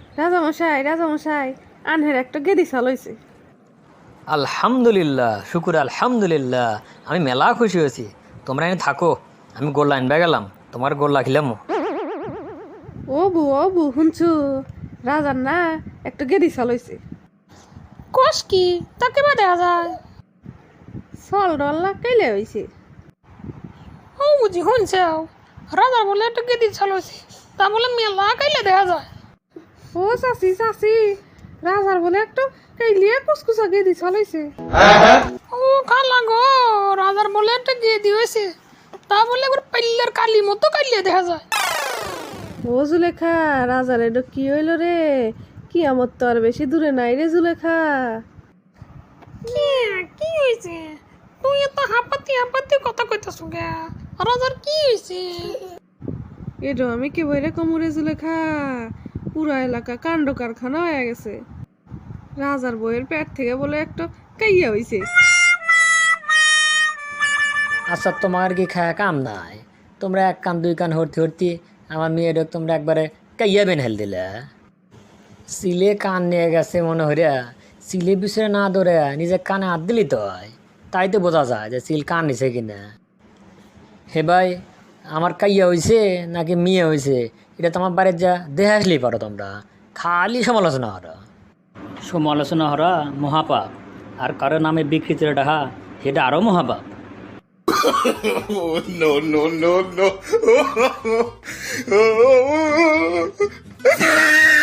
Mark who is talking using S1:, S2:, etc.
S1: রাজামশাই আনহের একটা গেদি চালইছে।
S2: আলহামদুলিল্লাহ, শুকুর আলহামদুলিল্লাহ। আমি মেলা খুশি হয়েছি। তোমরা এনে থাকো, আমি গোল্লা আনবে গেলাম, তোমার গোল্লা খিলাম।
S1: ও বু শুনছু, রাজার না একটা গেদি চালইছে।
S3: কোষ কি তাকে বা দেখা যায়?
S1: চল ডল্লা কেলে হয়েছে।
S3: ও বুঝি শুনছাও, রাজা বলে একটা গেদি চালছে, তা বলে মেলা কাইলে দেখা যায়।
S1: ও চাচি রাজার বলে একটা কেলিয়ে কুচকুচা গেদি চালাইছে।
S3: ও খালা গো, রাজার বলে একটা গেদি হয়েছে, তা বলে একবার পাল্লার কালি মতো কাইলে দেখা যায়।
S1: ও জুলেখা, রাজার এটা কি হইল রে? কিয়ামত তো আর বেশি দূরে নাই রে জুলেখা।
S3: কি হয়েছে? তুই এত হাঁপাতি কথা কইতাছ গে? রাজার কি হয়েছে?
S1: এটা আমি কি বইরে কমরে জুলেখা, পুরা এলাকা কাণ্ড কারখানা হয়ে গেছে। রাজার বইয়ের পেট থেকে বলে একটা কাইয়া হইছে।
S2: আচ্ছা, তোমার কি খায় কাম নাই? তোমরা এক কান দুই কান হরতে হরতে আমার মেয়ের তোমরা একবারে কাইয়া বেন হেল দিলে। সিলে কান নিয়ে গেছে মনে হরিয়া, সিলে পিছনে না ধরে নিজে কানে হাত দিলি তো তাই তো বোঝা যায় যে সিল কান নিছে কিনা। হে ভাই, আমার কাইয়া হয়েছে নাকি মেয়ে হয়েছে এটা তোমার বাড়ির যা দেখে আসলেই পারো। তোমরা খালি সমালোচনা হরো। সমালোচনা হরা মহাপাপ, আর কারো নামে বিকৃতি ডাহা সেটা আরও মহাপাপ।
S4: Oh, no, no, no, no.